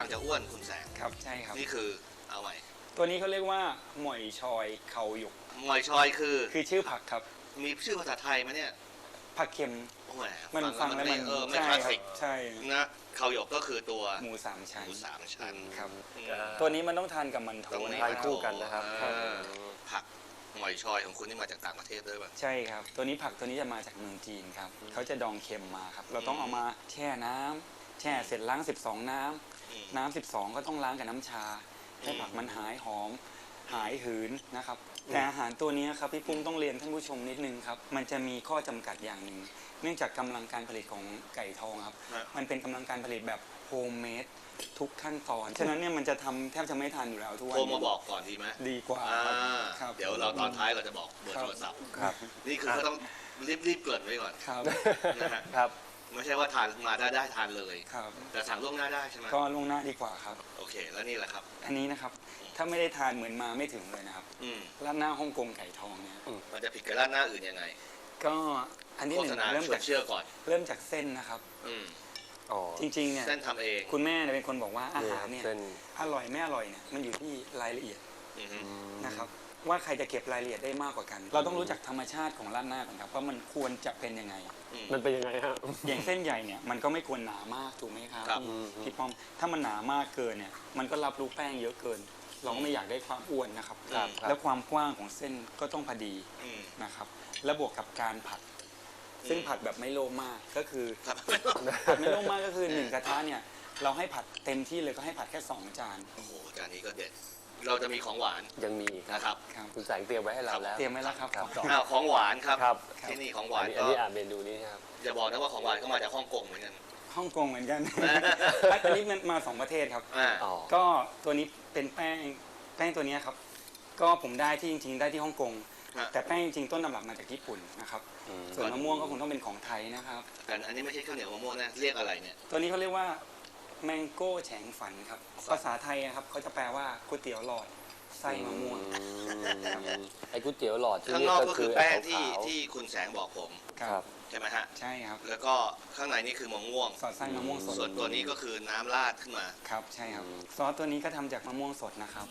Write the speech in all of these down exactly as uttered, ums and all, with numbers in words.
มันจะอ้วนคุณแสงครับใช่ครับนี่คือเอาใหม่ตัวนี้เขาเรียกว่าหมอยชอยเขาหยกหมอยชอยคือคือชื่อผักครับมีชื่อภาษาไทยไหมเนี่ยผักเค็มมันฟังแล้วมันเออไม่คลาสสิกใช่นะเขาหยกก็คือตัวหมูสามชั้นหมูสามชั้นครับตัวนี้มันต้องทานกับมันโถทานคู่กันนะครับผักหมอยชอยของคุณนี่มาจากต่างประเทศด้วยป่ะใช่ครับตัวนี้ผักตัวนี้จะมาจากเมืองจีนครับเขาจะดองเค็มมาครับเราต้องเอามาแช่น้ำแช่เสร็จล้างสิบสองน้ำน้ำสิบสองก็ต้องล้างกับน้ำชาให้ผักมันหายหอมหายหืนนะครับแต่อาหารตัวนี้ครับพี่ปุ้มต้องเรียนท่านผู้ชมนิดนึงครับมันจะมีข้อจำกัดอย่างหนึ่งเนื่องจากกำลังการผลิตของไก่ทองครับมันเป็นกำลังการผลิตแบบโฮมเมดทุกขั้นตอนฉะนั้นเนี่ยมันจะทำแทบจะไม่ทันอยู่แล้วทุกวันโทรมาบอกก่อนดีไหมดีกว่าครับเดี๋ยวเราตอนท้ายเราจะบอกเบอร์โทรศัพท์นี่คือก็ต้องรีบรีบเกิดไว้ก่อนครับนะครับไม่ใช่ว่าทานมาได้ได้ทานเลยครับแต่สั่งล่วงหน้าได้ใช่ไหมก็ล่วงหน้าดีกว่าครับโอเคแล้วนี่แหละครับอันนี้นะครับถ้าไม่ได้ทานเหมือนมาไม่ถึงเลยนะครับร้านหน้าฮ่องกงไก่ทองเนี่ยมันจะผิดกับร้านหน้าอื่นยังไงก็อันนี้หนึ่งเริ่มจากเชื่อก่อนเริ่มจากเส้นนะครับจริงๆเนี่ยเส้นทำเองคุณแม่เป็นคนบอกว่าอาหารเนี่ยอร่อยไม่อร่อยเนี่ยมันอยู่ที่รายละเอียดนะครับว่าใครจะเก็บรายละเอียดได้มากกว่ากันเราต้องรู้จักธรรมชาติของร้านหน้าก่อนครับว่ามันควรจะเป็นยังไงมันเป็นยังไงฮะอย่างเส้นใหญ่เนี่ยมันก็ไม่ควรหนามากถูกไหมครับพี่ป้อมถ้ามันหนามากเกินเนี่ยมันก็รับรู้แป้งเยอะเกินเราก็ไม่อยากได้ความอ้วนนะครับแล้วความกว้างของเส้นก็ต้องพอดีนะครับแล้วบวกกับการผัดซึ่งผัดแบบไม่โลภมากก็คือผัดไม่โลภมากก็คือหนึ่งกระทะเนี่ยเราให้ผัดเต็มที่เลยก็ให้ผัดแค่สองจานโอ้โหจานนี้ก็เด็ดเราจะมีของหวานยังมีนะครับคุณแสงเตรียมไว้ให้เราแล้วเตรียมไว้แล้วครับของหวานครับที่นี่ของหวานอันนี้อ่านเมนูนี้ครับอย่าบอกนะว่าของหวานก็มาจากฮ่องกงเหมือนกันฮ่องกงเหมือนกันอันนี้มันมาสองประเทศครับก็ตัวนี้เป็นแป้งแป้งตัวนี้ครับก็ผมได้ที่จริงๆได้ที่ฮ่องกงแต่แป้งจริงๆต้นตำรับมาจากญี่ปุ่นนะครับส่วนมะม่วงก็คงต้องเป็นของไทยนะครับแต่อันนี้ไม่ใช่ข้าวเหนียวมะม่วงนะเรียกอะไรเนี่ยตัวนี้เขาเรียกว่าแมงโก้แฉงฝันครับภาษาไทยครับเขาจะแปลว่าก๋วยเตี๋ยวหลอดไส้มะม่วงไอ้ก๋วยเตี๋ยวหลอดข้างนอกก็คือแป้งที่ที่คุณแสงบอกผมครับใช่ไหมฮะใช่ครับแล้วก็ข้างในนี่คือมะม่วงสอดไส้มะม่วงสดส่วนตัวนี้ก็คือน้ำราดขึ้นมาครับใช่ครับซอสตัวนี้ก็ทำจากมะม่วงสดนะครับ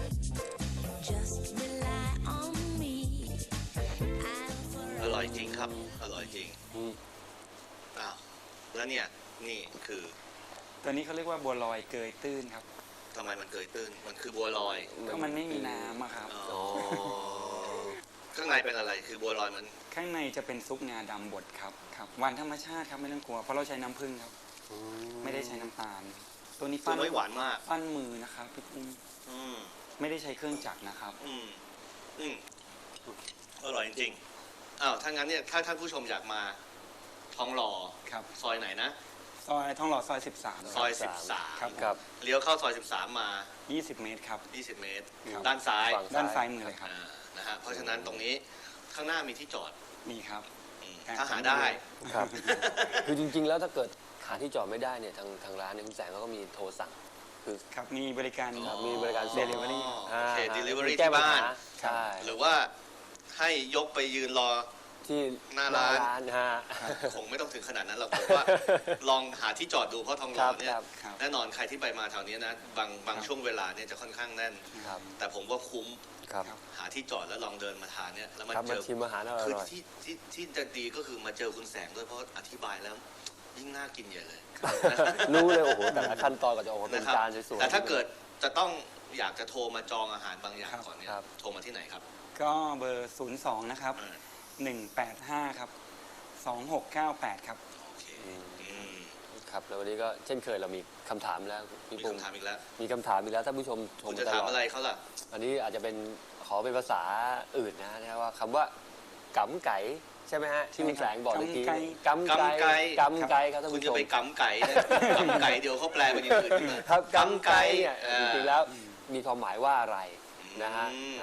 อร่อยจริงครับอร่อยจริงอ้าวแล้วเนี่ยนี่คือตัวนี้เขาเรียกว่าบัวลอยเกยตื้นครับทำไมมันเกยตื้นมันคือบัวลอยก็มันไม่มีน้ำอะครับข้างในเป็นอะไรคือบัวลอยมันข้างในจะเป็นซุปงาดำบดครับครับหวานธรรมชาติครับไม่ต้องกลัวเพราะเราใช้น้ำผึ้งครับไม่ได้ใช้น้ำตาลตัวนี้ปั้นไม่หวานมากปั้นมือนะครับพี่ปุ้มไม่ได้ใช้เครื่องจักรนะครับอืมอืมอร่อยจริงอ้าวถ้างั้นเนี่ยถ้าท่านผู้ชมอยากมาทองหล่อครับซอยไหนนะซอยทองหล่อซอยสิบสามซอยสิบสามครับครับเลี้ยวเข้าซอยสิบสามมายี่สิบเมตรครับยี่สิบเมตรด้านซ้ายด้านซ้ายมือเลยครับนะฮะเพราะฉะนั้นตรงนี้ข้างหน้ามีที่จอดมีครับถ้าหาได้ครับคือจริงๆแล้วถ้าเกิดหาที่จอดไม่ได้เนี่ยทางทางร้านเนี่ยคุณแสงเขาก็มีโทรสั่งคือครับมีบริการมีบริการเดลิเวอรี่โอเคเดลิเวอรี่ที่บ้านใช่หรือว่าให้ยกไปยืนรอที่หน้าร้านฮะคงไม่ต้องถึงขนาดนั้นเราผมว่าลองหาที่จอดดูเพราะทองหล่อเนี่ยแน่นอนใครที่ไปมาแถวนี้นะบางบางช่วงเวลาเนี่ยจะค่อนข้างแน่นแต่ผมว่าคุ้มหาที่จอดแล้วลองเดินมาทานเนี่ยแล้วมาเจอชิมอาหารอร่อยคือที่ที่ที่จะดีก็คือมาเจอคุณแสงด้วยเพราะอธิบายแล้วยิ่งน่ากินใหญ่เลยรู้เลยโอ้โหแต่ละขั้นตอนก็จะออกมาเป็นจานสวยๆแต่ถ้าเกิดจะต้องอยากจะโทรมาจองอาหารบางอย่างก่อนเนี่ยโทรมาที่ไหนครับก็เบอร์ศูนย์สองนะครับหนึ่งแปดห้าครับสองหกเก้าแปดครับโอเคครับแล้ววันนี้ก็เช่นเคยเรามีคำถามแล้วมีคำถามอีกแล้วมีคำถามอีกแล้วท่านผู้ชมชมจะถามอะไรเขาล่ะอันนี้อาจจะเป็นขอเป็นภาษาอื่นนะนะว่าคำว่ากำไก่ใช่ไหมฮะที่คุณแสงบอกเมื่อกี้กำไก่กำไก่ครับท่านผู้ชมคุณจะไปกำไก่กำไก่เดี๋ยวเขาแปลเป็นอย่างอื่นครับกำไก่จริงๆแล้วมีความหมายว่าอะไรนะฮะ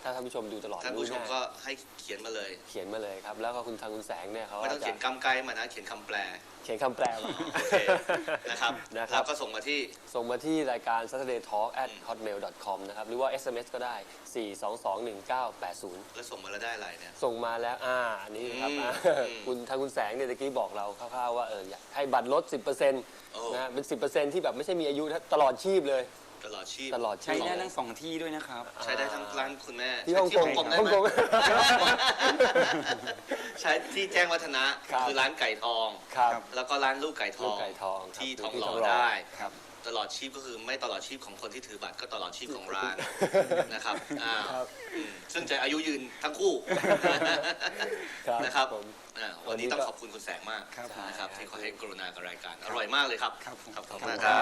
ถ้าท่านผู้ชมดูตลอดท่านผู้ชมรู้แก็ให้เขียนมาเลยเขียนมาเลยครับ แล้วก็คุณทางคุณแสงเนี่ยเขาไม่ต้องจะเขียนกำไกมานะเขียนคำแปลเขียนคำแปลมาโอเคนะครับนะครับแล้วก็ส่งมาที่ส่งมาที่รายการ saturday talk at hotmail dot com นะครับ หรือว่า เอส เอ็ม เอส ก็ได้ สี่ สอง สอง หนึ่ง เก้า แปด ศูนย์แล้วส่งมาแล้วได้อะไรเนี่ยส่งมาแล้ว อ่า อันนี้ครับอืมอ่าอืมคุณทางคุณแสงเนี่ยตะกี้บอกเราคร่าวๆว่าเอออยากให้บัตรลด สิบเปอร์เซ็นต์โอ้นะเป็น สิบเปอร์เซ็นต์ ที่แบบไม่ใช่มีอายุตลอดชีพเลยตลอดชีพตลอดชีใช้พได้ทั้งสองที่ด้วยนะครับใช้ได้ทั้งร้านคุณแม่ที่ฮ่องกงใช้ที่ฮ่ฮ่ออง งกกงงได้ไหมใช้ที่แจ้งวัฒนะครับคือร้านไก่ทองครับแล้วก็ร้านลูกไก่ทลูอก งไก่ทองครับที่ทองที่หล่ทอองหล่อได้ครับตลอดชีพก็คือไม่ตลอดชีพของคนที่ถือบัตรก็ตลอดชีพของร้านนะครับอ่าครับอืมซึ่งจะอายุยืนทั้งคู่ครับนะครับผมอ่าวันนี้ต้องขอบคุณคุณแสงมากครับนะครับใช่ที่เขาให้กรุณากับรายการอร่อยมากเลยครับครับผมขอบคุณมากครับ